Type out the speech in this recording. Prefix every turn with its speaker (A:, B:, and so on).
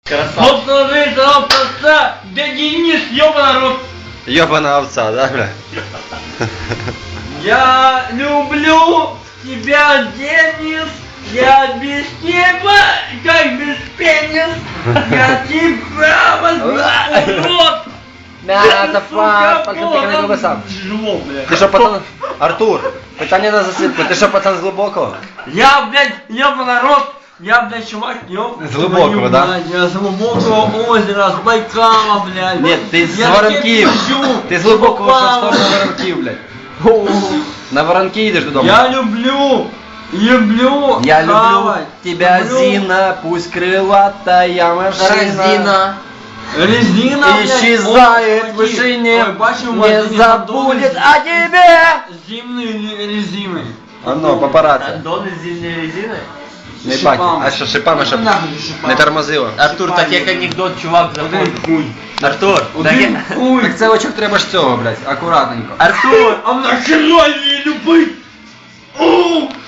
A: Вот ложится овца, да Денис, ёбаный рот.
B: Ёбаная овца, да, бля?
A: Я люблю тебя, Денис. Я без тебя, как без пенис. Я тебя возьму в рот.
C: М'ята, факт, пальчик не сам.
A: Тяжело, блядь.
C: Ти що, пацан? Артур, питання на засипку. Ти що, пацан, з глибокого?
A: Я, блядь, ёбаный рот. Я, блядь, чувак,
C: З глибокого, да?
A: Я з глубокого озера, з Байкала, блядь.
C: Ні, ти з
A: Я
C: Воронків.
A: таке пишу,
C: Ти з глибокого, що в
A: попало.
C: сторону Воронків, блядь. На Воронки їдеш додому.
A: Я люблю
C: Я люблю
A: хавать.
C: тебя,
A: Люблю.
C: Зина, пусть крылатая машина.
A: Резина, блядь.
C: Исчезает
A: Ой,
C: в вышине,
A: ой, бачу, у
C: не
A: вас
C: забудет
A: андоны
C: о тебе.
A: Зимние резины.
C: Оно, папараці.
D: Андони з зимньої резини?
C: Не
A: Шипами.
C: бачу. А що, шипами, щоб
A: Нахуй шипами.
C: не тормозило?
D: Артур, так як анекдот, чувак, заходить.
A: Один хуй.
D: Артур, так
A: Один
D: як...
A: хуй.
C: Так це очок треба ж цього, блядь, акуратненько.
D: Артур!
A: А нахера її любить? О!